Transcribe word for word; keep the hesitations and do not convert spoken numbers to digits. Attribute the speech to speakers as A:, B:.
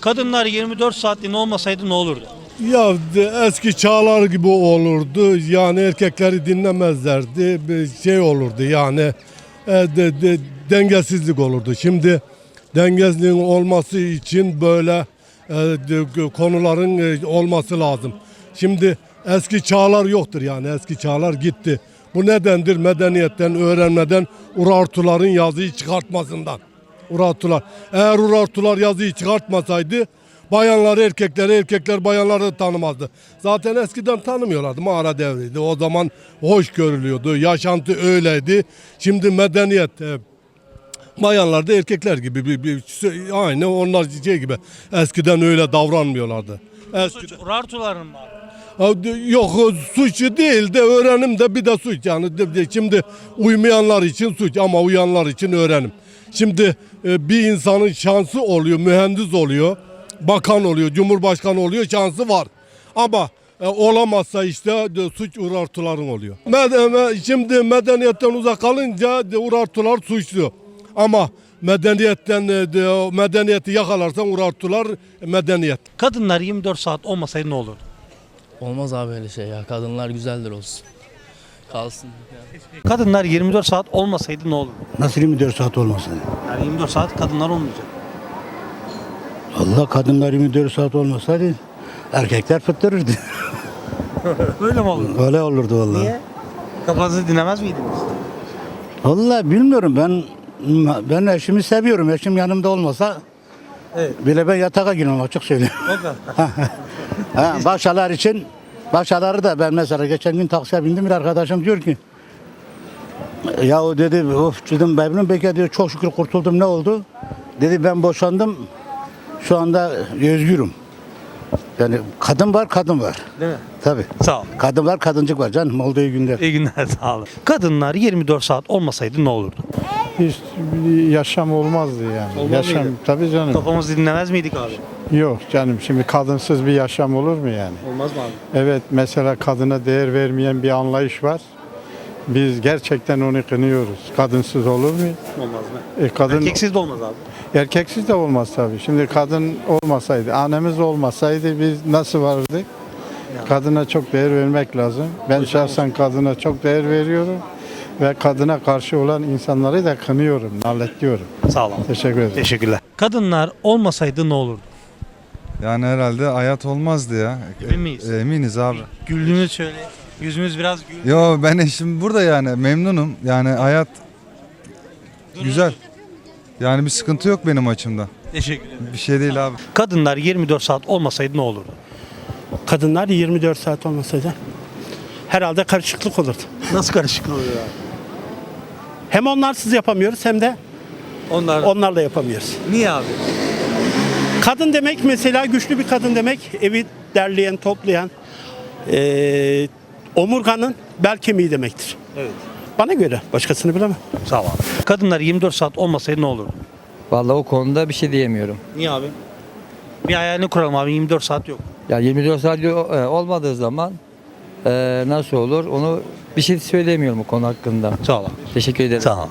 A: Kadınlar yirmi dört saatliğine olmasaydı ne olurdu?
B: Ya de- eski çağlar gibi olurdu. Yani erkekleri dinlemezlerdi. Bir şey olurdu yani e, de, de- dengesizlik olurdu. Şimdi dengesizliğin olması için böyle e, de- konuların e, olması lazım. Şimdi eski çağlar yoktur yani eski çağlar gitti. Bu nedendir? Medeniyetten, öğrenmeden Urartuların yazıyı çıkartmasından. Urartular. Eğer Urartular yazıyı çıkartmasaydı bayanları erkekleri, erkekler bayanları tanımazdı. Zaten eskiden tanımıyorlardı. Mağara devriydi. O zaman hoş görülüyordu. Yaşantı öyleydi. Şimdi medeniyet e, bayanlar da erkekler gibi bir, bir, aynı onlar şey gibi. Eskiden öyle davranmıyorlardı. Eskiden,
A: Suç Urartuların mı abi?
B: Ha, de- yok suçu değil de öğrenim de bir de suç yani de- de- şimdi uymayanlar için suç ama uyanlar için öğrenim. Şimdi e, bir insanın şansı oluyor, mühendis oluyor, bakan oluyor, cumhurbaşkanı oluyor, şansı var. Ama e, olamazsa işte de, suç Urartuların oluyor. Med me- şimdi medeniyetten uzak kalınca de, Urartular suçlu. Ama medeniyetten e, de, medeniyeti yakalarsan Urartular medeniyet.
A: Kadınlar yirmi dört saat olmasaydı ne olurdu?
C: Olmaz abi öyle şey ya. Kadınlar güzeldir olsun. Kalsın.
A: Kadınlar yirmi dört saat olmasaydı ne olurdu?
D: Nasıl yirmi dört saat olmasın?
A: Yani yirmi dört saat kadınlar olmayacak.
D: Allah kadınlar yirmi dört saat olmasaydı erkekler fıttırırdı.
A: Öyle mi olurdu?
D: Öyle olurdu vallahi.
A: Niye? Kafanızı dinlemez miydiniz?
D: Vallahi bilmiyorum ben ben eşimi seviyorum. Eşim yanımda olmasa
A: Evet.
D: bile ben yatağa girmem açık söyleyeyim.
A: O kadar.
D: Ha, başkalar için başkaları da ben mesela geçen gün taksiye bindim bir arkadaşım diyor ki ya o dedi of dedim benim belki diyor çok şükür kurtuldum ne oldu? Dedi ben boşandım şu anda özgürüm. Yani kadın var kadın var.
A: Değil mi?
D: Tabii.
A: Sağ ol.
D: Kadın var kadıncık var canım olduğu günler.
A: İyi günler sağ olun. Kadınlar yirmi dört saat olmasaydı ne olurdu?
E: Hiç bir yaşam olmazdı yani.
A: Olmaz
E: yaşam
A: mıydı?
E: tabii canım.
A: Kafamızı dinlemez miydik abi?
E: Yok canım şimdi kadınsız bir yaşam olur mu yani?
A: Olmaz mı abi?
E: Evet mesela kadına değer vermeyen bir anlayış var. Biz gerçekten onu kınıyoruz. Kadınsız olur mu?
A: Olmaz mı?
E: E, kadın
A: Erkeksiz de olmaz abi.
E: erkeksiz de olmaz tabii. Şimdi kadın olmasaydı, annemiz olmasaydı biz nasıl vardık? Kadına çok değer vermek lazım. Ben şahsen kadına çok değer veriyorum ve kadına karşı olan insanları da kınıyorum, lanetliyorum.
A: Sağ olun.
E: Teşekkür ederim.
A: Teşekkürler. Kadınlar olmasaydı ne olurdu?
F: Yani herhalde hayat olmazdı ya.
A: Emin miyiz?
F: Eminiz abi.
A: Güldüğünüz şöyle. Yüzümüz biraz gül.
F: Yo ben eşim burada yani memnunum. Yani hayat güzel. Yani bir sıkıntı yok benim açımdan.
A: Teşekkür ederim.
F: Bir şey değil abi.
A: Kadınlar yirmi dört saat olmasaydı ne olurdu?
G: Kadınlar yirmi dört saat olmasaydı herhalde karışıklık olurdu.
A: Nasıl karışıklık oluyor abi?
G: Hem onlarsız yapamıyoruz hem de
A: Onlar.
G: onlarla yapamıyoruz.
A: Niye abi?
G: Kadın demek mesela güçlü bir kadın demek evi derleyen, toplayan, eee, omurganın bel kemiği demektir.
A: Evet.
G: Bana göre başkasını bilemem.
A: Sağ ol abi. Kadınlar yirmi dört saat olmasaydı ne olurdu?
H: Vallahi o konuda bir şey diyemiyorum.
A: Niye abi? Bir hayalini kuralım abi, yirmi dört saat yok.
H: Ya yirmi dört saat yo- e, olmadığı zaman e, nasıl olur onu bir şey söyleyemiyorum o konu hakkında.
A: Sağ ol abi.
H: Teşekkür ederim.
A: Sağ ol.